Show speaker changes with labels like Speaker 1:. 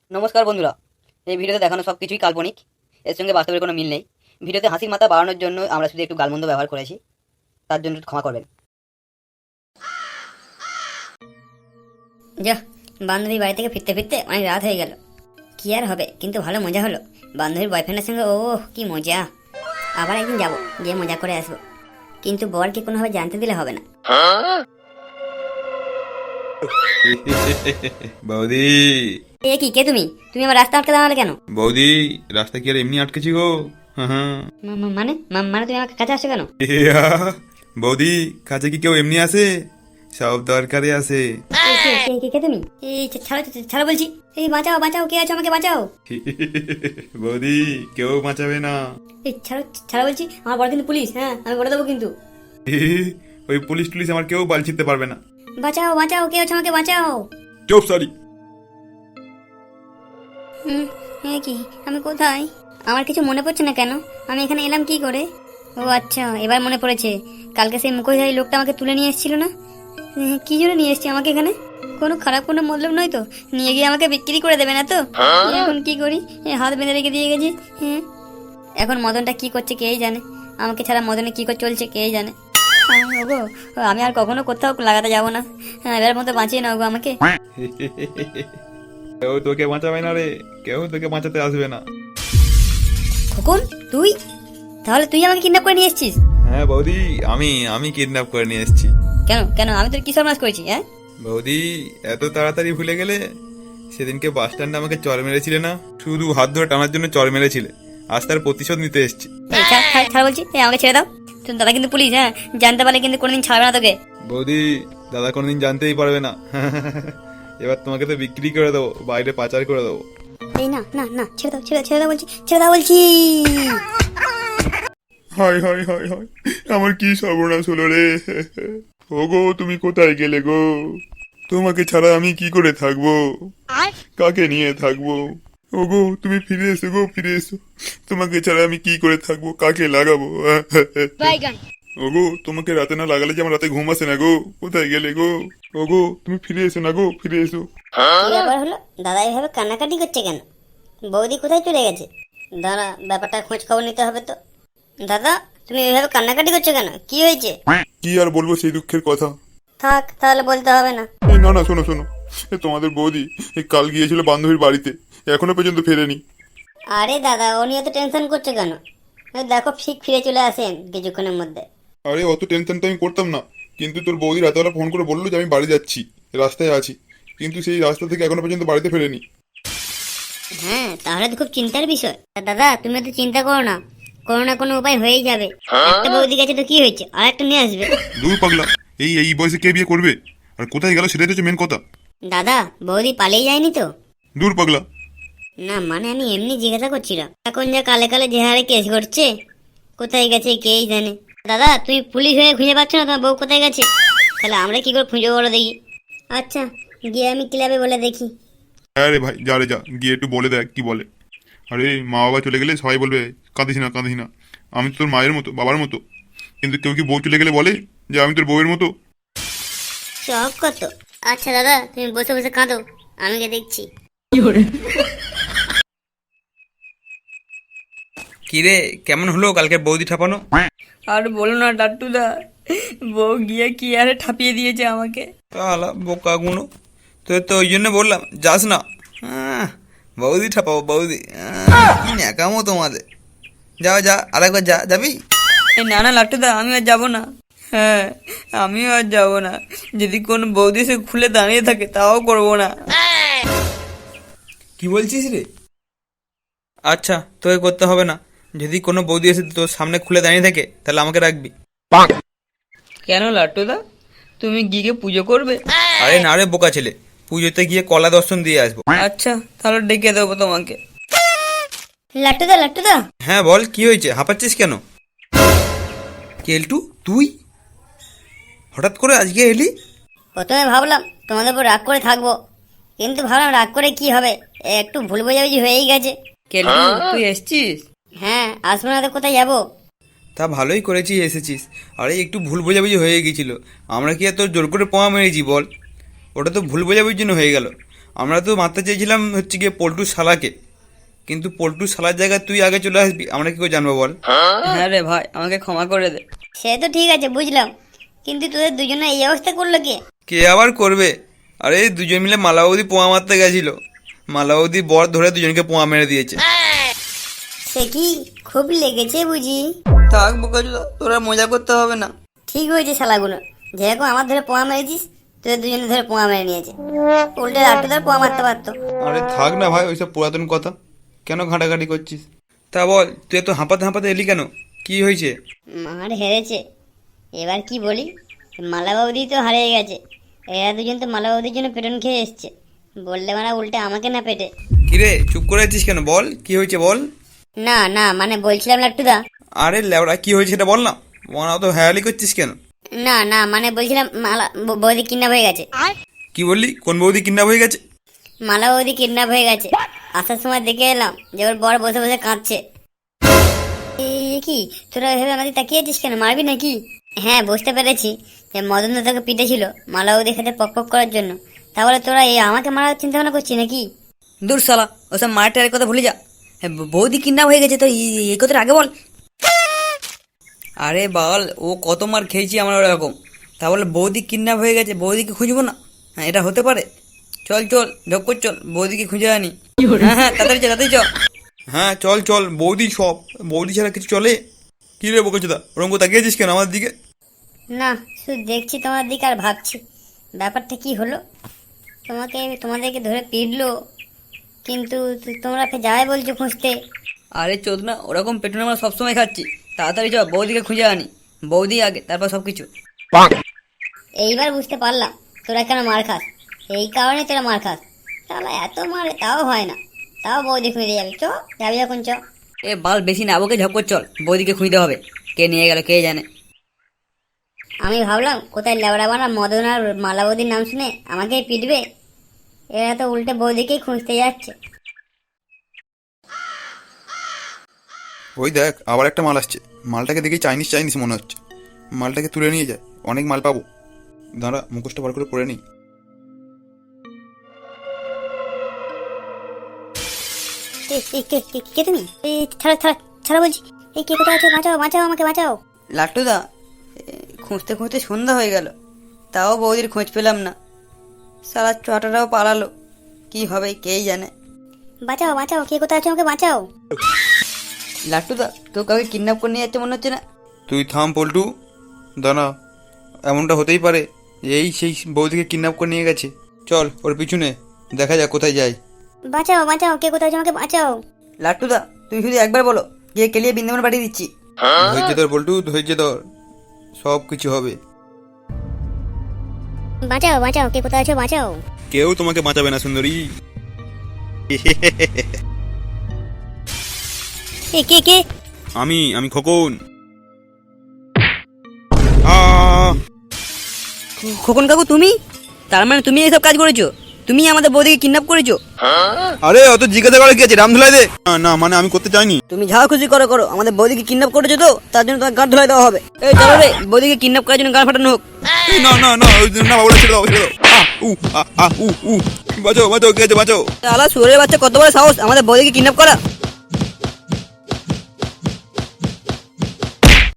Speaker 1: নমস্কার বন্ধুরা, এই ভিডিওতে দেখানো সব কিছুই কাল্পনিক, এর সঙ্গে বাস্তবের কোনো মিল নেই। ভিডিওতে হাসির মাত্রা বাড়ানোর জন্য আমরা শুধু একটু গালমন্দ ব্যবহার করেছি, তার জন্য ক্ষমা করবেন।
Speaker 2: যা, বান্ধবীর বাড়ি থেকে ফিরতে ফিরতে অনেক রাত হয়ে গেল। কি আর হবে, কিন্তু ভালো মজা হলো বান্ধবীর বয়ফ্রেন্ডের সঙ্গে। ও কি মজা! আবার একদিন যাবো, গিয়ে মজা করে আসবো, কিন্তু বরকে কোনোভাবে জানতে দিলে হবে না।
Speaker 3: বৌদি,
Speaker 2: এ কি, কে তুমি? তুমি আমার রাস্তা আটকে দাঁড়ালে কেন?
Speaker 3: বৌদি, রাস্তা কি আর এমনি আটকেছি গো? হ্যাঁ।
Speaker 2: মানে তুমি আমার কাছে আসছো কেন?
Speaker 3: বৌদি, কাছে কি কেউ এমনি আসে? সব দরকারে আসে।
Speaker 2: কে তুমি? এই ছাড়ো ছাড়ো বলছি। এই বাঁচাও বাঁচাও, কে আছো, আমাকে বাঁচাও।
Speaker 3: বৌদি, কেউ বাঁচাবে না।
Speaker 2: এই ছাড়ো ছাড়ো বলছি, আমার বড় কিন্তু পুলিশ। হ্যাঁ, আমি বলে দেবো কিন্তু।
Speaker 3: ওই পুলিশ টুলিশ আমার কেউ বাল ছিঁড়তে পারবে না।
Speaker 2: বাঁচাও বাঁচাও, কে আছো, আমাকে বাঁচাও।
Speaker 3: চুপ, সরি।
Speaker 2: কি, আমি কোথায়? আমার কিছু মনে পড়ছে না কেন, আমি এখানে এলাম কি করে? ও আচ্ছা, এবার মনে পড়েছে। কালকে সেই মুখোশধারী লোকটা আমাকে তুলে নিয়ে এসেছিল না? কি জন্য নিয়ে এসছে আমাকে এখানে? কোনো খারাপ কোনো মতলব নয় তো? নিয়ে গিয়ে আমাকে বিক্রি করে দেবে না তো? এখন কি করি, হাত বেঁধে রেখে দিয়ে গেছি। হ্যাঁ, এখন মদনটা কি করছে কেই জানে, আমাকে ছাড়া মদনে কি করে চলছে কেই জানে। ওগো, আমি আর কখনো কোথাও লাগাতে যাবো না। এবার মতো বাঁচিয়ে নাও গো আমাকে।
Speaker 3: কেউ তোকে বাঁচাবে না রে, কেউ তোকে বাঁচাতে আসবে না।
Speaker 2: খোকন, তুই? তাহলে তুই আমাকে কিডন্যাপ করে নিয়ে এসেছিস?
Speaker 3: হ্যাঁ বৌদি, আমি কিডন্যাপ করে নিয়ে এসেছি।
Speaker 2: কেন কেন, আমি তোর কি সর্বনাশ করেছি? হ্যাঁ
Speaker 3: বৌদি, এত তাড়াতাড়ি ভুলে গেলে? সেদিনকে বাস স্ট্যান্ডে আমাকে চর মেরেছিলে না? শুধু হাত ধরে টানার জন্য চর মেরেছিলে, আজ তার প্রতিশোধ নিতে এসেছি।
Speaker 2: ছাড় বলছি, আমাকে ছেড়ে দাও। তোর দাদা কিন্তু পুলিশ, হ্যাঁ, জানতে পারলে কিন্তু কোনোদিন ছাড়বে না তোকে।
Speaker 3: বৌদি, দাদা কোনোদিন জানতেই পারবে না। এবার তোমাকে তো বিক্রি করে দেবো, বাইরে পাচার করে দেবো।
Speaker 2: এই না না না, ছেড়ে দাও বলছি, ছেড়ে দাও বলছি।
Speaker 3: হায় হায় হায় হায়, আমার কি সর্বনাশ হলো রে। ওগো, তুমি কোথায় গেলে গো? তোমাকে ছাড়া আমি কি করে থাকবো? কাকে নিয়ে থাকবো? ওগো, তুমি ফিরে এসো গো, ফিরে এসো। তোমাকে ছাড়া আমি কি করে থাকবো, কাকে লাগাবো? ওগো, তোমাকে রাতে না লাগালে যে আমার রাতে ঘুম আসে না গো। কোথায় গেলে গো? ওগো, তুমি ফিরে এসো না গো, ফিরে এসো।
Speaker 2: কি ব্যাপার হলো, দাদা এইভাবে কান্নাকাটি করছে কেন? বৌদি কোথায় চলে গেছে? দাঁড়া, ব্যাপারটা খোঁজ খবর নিতে হবে তো। দাদা, তুমি এইভাবে কান্নাকাটি করছো কেন? কি হয়েছে?
Speaker 3: কি আর বলবো সেই দুঃখের কথা।
Speaker 2: থাক, তাহলে বলতে হবে না।
Speaker 3: না না, শোনো শোনো, তোমাদের বৌদি কাল গিয়েছিল বান্ধবীর বাড়িতে, এখনো পর্যন্ত ফেরেনি।
Speaker 2: আরে দাদা, ও নিয়ে তো টেনশন করছো কেন? দেখো, ঠিক ফিরে চলে আসেন কিছুক্ষণের মধ্যে।
Speaker 3: আরে অত টেনশন তো আমি করতাম না, কিন্তু তোর বৌদি রাতেবেলা ফোন করে বললো যে আমি বাড়ি যাচ্ছি, রাস্তায় আছি, কিন্তু সেই রাস্তা থেকে এখনো পর্যন্ত বাড়িতে ফেরেনি।
Speaker 2: হ্যাঁ, তাহলে তো খুব চিন্তার বিষয়। দাদা, তুমি তো চিন্তা করো না, কোনো না কোনো উপায় হয়েই যাবে। একটা বৌদি গেছে তো কি হয়েছে, আর একটা নিয়ে আসবে।
Speaker 3: দূর পাগলা, এই বয়সে কে বিয়ে করবে? আর কোথায় গেল সেটাই তো মেন কথা।
Speaker 2: দাদা, বৌদি পালিয়ে যায়নি তো?
Speaker 3: দূর পাগলা।
Speaker 2: না মানে, আমি এমনি জিজ্ঞাসা করছিলাম। এখন যা কালে কালে যে হারে কেস করছে, কোথায় গেছে কেই জানে। দাদা, তুমি পুলিশ হয়ে খুঁজে পাচ্ছ না তোমার বউ কোথায় গেছে? তাহলে আমরা কি করে খুঁজে বলো দেখি। আচ্ছা, গিয়ে আমি ক্লাবে বলে দেখি।
Speaker 3: হ্যাঁ রে ভাই, যা রে যা, গিয়ে একটু বলে দেখ কি বলে। আরে মা বাবা চলে গেলে সবাই বলবে কাঁদিস না কাঁদিস না, আমি তো তোর মায়ের মতো, বাবার মতো। কিন্তু কেউ কি বউ চলে গেলে বলে যে আমি তোর বউয়ের মতো?
Speaker 2: সব কত। আচ্ছা দাদা, তুমি বসে বসে কাঁদো, আমি গিয়ে দেখছি।
Speaker 4: কিরে, কেমন হলো কালকে বৌদি ঠাপানো?
Speaker 1: আর বলো না লাট্টুদা, বউ গিয়ে কি আরে ঠাপিয়ে দিয়েছে আমাকে।
Speaker 4: তাহলে বোকা গুনো, তো ওই জন্য বললাম যাস না। বৌদি ঠাপাবো বৌদি, কি ন্যাকামো তোমাদের। যা আরেকবার যাবি?
Speaker 1: না না লাট্টুদা, আমি আর যাবো না। হ্যাঁ, আমিও আর যাবো না। যদি কোনো বৌদি সে খুলে দাঁড়িয়ে থাকে তাও করবো না।
Speaker 4: কি বলছিস রে? আচ্ছা, তোকে করতে হবে না। যদি কোনো বৌদি এসে তোর সামনে খুলে দাঁড়িয়ে থাকে তাহলে আমাকে রাখবি।
Speaker 1: কেন লাট্টুদা, তুমি গিয়ে পুজো করবে?
Speaker 4: আরে না রে বোকা ছেলে, পুজোতে গিয়ে কলা দর্শন দিয়ে আসবো।
Speaker 1: আচ্ছা, তাহলে ডেকে দেবো তোমাকে।
Speaker 2: লাট্টুদা।
Speaker 4: হ্যাঁ বল, কি হয়েছে? হাঁপাচ্ছিস কেন? কেলটু, তুই হঠাৎ করে আজকে এলি?
Speaker 2: প্রথমে ভাবলাম তোমাদের উপর রাগ করে থাকবো, কিন্তু ভাবলাম রাগ করে কি হবে, একটু ভুল বোঝাবুঝি হয়েই গেছে।
Speaker 1: কেলটু, তুই এসছিস?
Speaker 2: হ্যাঁ, আসবো না তো কোথায় যাবো?
Speaker 4: তা ভালোই করেছিস এসেছিস। আরে একটু ভুল বোঝাবুঝি হয়ে গেছিল, আমরা কি আর তোর জোর করে পোয়া মেরেছি বল? ওটা তো ভুল বোঝাবুঝির জন্য হয়ে গেল। আমরা তো মারতে চেয়েছিলাম হচ্ছে গিয়ে পল্টু শালাকে, কিন্তু পল্টু শালার জায়গায় তুই আগে চলে আসবি, আমরা কি করে জানবো বল?
Speaker 1: হ্যাঁ রে ভাই, আমাকে ক্ষমা করে দে।
Speaker 2: সে তো ঠিক আছে বুঝলাম, কিন্তু তোদের দুজনে এই অবস্থা করলো কে?
Speaker 4: কে আবার করবে? আরে এই দুজন মিলে মালাবৌদি পোয়া মারতে গেছিল, মালাবৌদি বর ধরে দুজনকে পোয়া মেরে দিয়েছে।
Speaker 2: সে কি খুব লেগেছে বুঝি?
Speaker 1: থাক বোকাচোদা, তোরা মজা করতে হবে না।
Speaker 2: ঠিক হয়েছে শালাগুলো, যেরকম আমার ধরে পোয়া মেরেছিস, তোদের দুজনে ধরে পোয়া মেরে নিয়েছে। উল্টে লাট্টু ধরে পোয়া মারতে পারতো।
Speaker 4: আরে থাক না ভাই ওইসব পুরাতন কথা, কেন ঘাঁটাঘাঁটি করছিস? তা বল, তুই এত হাঁপাতে হাঁপাতে এলি কেন? কি হয়েছে?
Speaker 2: মার হেরেছে, এবার কি বলি? মালা বৌদি তো হারিয়ে গেছে, এরা দুজন তো মালা বৌদির জন্য পেটন খেয়ে এসছে, বললে মারা উল্টে আমাকে না পেটে।
Speaker 4: কিরে চুপ করে আছিস কেন? বল কি হয়েছে বল।
Speaker 2: না না মানে বলছিলাম লাট্টুদা,
Speaker 4: আরে লেওড়া কি হয়েছে সেটা বল না, মনে অত হ্যায়ালি করছিস কেন?
Speaker 2: না না মানে বলছিলাম মালা বৌদি কিডন্যাপ হয়ে গেছে।
Speaker 4: কি বললি? কোন বৌদি কিডন্যাপ হয়ে গেছে?
Speaker 2: মালা বৌদি কিডন্যাপ হয়ে গেছে। আসার সময় দেখে এলাম যে ওর বর বসে বসে কাঁদছে। এই কি তোরা এভাবে আমাদের তাকিয়েছিস কেন? মারবি নাকি? হ্যাঁ বুঝতে পেরেছি যে মদন দা তোকে পিটেছিল মালা বৌদির সাথে পক পক করার জন্য, তাহলে তোরা এই আমাকে মারার চিন্তা ভাবনা করছিস নাকি?
Speaker 1: দূর শালা, ওসব মারটারের কথা ভুলে যা। হ্যাঁ, বৌদি কিডন্যাপ হয়ে গেছে তো এই কথাটা আগে বল। আরে বল, ও কত মার খেয়েছি আমরা ওরকম, তাহলে বৌদি কিডন্যাপ হয়ে গেছে, বৌদিকে খুঁজবো না? হ্যাঁ এটা হতে পারে? চল চল ঢক্কর চল, বৌদিকে খুঁজে আনি। হ্যাঁ হ্যাঁ তাড়াতাড়ি চল, তাড়াতাড়ি চল।
Speaker 4: হ্যাঁ চল চল, বৌদি সব, বৌদি ছাড়া কিছু চলে? কি রে বোকাচোদা, ওরকম তাকিয়েছিস কেন আমার দিকে?
Speaker 2: না শুধু দেখছি তোমার দিকে আর ভাবছি ব্যাপারটা কি হলো। তোমাদেরকে ধরে পিটলো, কিন্তু তোমরা ফের যাবে বলছো খুঁজতে।
Speaker 1: আরে চোদ না, ওরকম পেটুন আমরা সবসময় খাচ্ছি। তাড়াতাড়ি চল, বৌদিকে খুঁজে আনি। বৌদি আগে, তারপর সব কিছু।
Speaker 2: এইবার বুঝতে পারলাম তোরা কেন মার খাস, এই কারণে তোরা মার খাস। তাহলে এত মারে তাও হয় না, তাও বৌদি খুঁজে যাবি। যাবি যখন চ।
Speaker 1: এ বাল বেশি না বকে ঝপকর চল, বৌদিকে খুঁজতে হবে। কে নিয়ে গেল কে জানে।
Speaker 2: আমি ভাবলাম কোথায় লেবড়া বানা মদন আর মালা বৌদির নাম শুনে আমাকেই পিটবে, এরা তো উল্টে বৌদিকেই খুঁজতে যাচ্ছে।
Speaker 4: ওই দেখ আবার একটা মাল আসছে, মালটাকে দেখে চাইনিজ চাইনিজ মনে হচ্ছে, মালটাকে তুলে নিয়ে যায়, অনেক মাল পাবো। দাঁড়া মুখোশটা বার করে পরে নিই।
Speaker 2: কে তুমি? ছাড়া ছাড়া ছাড়া বলছি। এই কে কোথায় আছো? বাঁচাও বাঁচাও, আমাকে বাঁচাও।
Speaker 1: লাট্টুদা, খুঁজতে খুঁজতে সন্ধ্যা হয়ে গেল, তাও বৌদির খোঁজ পেলাম না। সারা চটাটাও পালালো, কি হবে কেই জানে।
Speaker 2: বাঁচাও বাঁচাও, কে কোথায় আছো? আমাকে বাঁচাও।
Speaker 1: লাট্টুদা, তো কাউকে কিডন্যাপ করে নিয়ে যাচ্ছে মনে হচ্ছে না?
Speaker 4: তুই থাম পল্টু, দাঁড়া, এমনটা হতেই পারে এই সেই বৌদিকে কিডন্যাপ করে নিয়ে গেছে। চল ওর পিছনে দেখা যাক কোথায় যায়।
Speaker 2: বাঁচাও বাঁচাও, কে কোথায় আছো? আমাকে বাঁচাও।
Speaker 1: লাট্টুদা, তুমি শুধু একবার বলো, গিয়ে কেলিয়ে বৃন্দাবন পাঠিয়ে দিচ্ছি।
Speaker 4: ধৈর্য ধর পল্টু, ধৈর্য ধর, সব কিছু হবে।
Speaker 2: বাঁচাও বাঁচাও, কে কোথায় আছো? বাঁচাও।
Speaker 4: কেউ তোমাকে বাঁচাবে না সুন্দরী।
Speaker 2: এ কে কে?
Speaker 4: আমি খোকন।
Speaker 1: খোকন কাকু তুমি? তার মানে তুমি এইসব কাজ করেছো? তুমি আমাদের বৌদিকে কিডন্যাপ করেছো?
Speaker 4: আরে অত জিজ্ঞাসা করে কি আছে, রাম ধুলাই দে। না মানে আমি করতে চাইনি।
Speaker 1: তুমি যা খুশি করো করো, আমাদের বৌদিকে কিডন্যাপ করেছো তো, তার জন্য তোমার গাঁট ধুলাই দেওয়া হবে। এই চলো রে, বৌদিকে কিডন্যাপ করার জন্য গান ফাটানো হোক।
Speaker 4: না না না না বাবুরা ছেড়ে দাও, ছেড়ে দাও। বাঁচাও বাঁচাও, কে আছে বাঁচাও।
Speaker 1: আলা সুরের বাচ্চা, কত বড় সাহস আমাদের বৌদিকে কিডন্যাপ করা!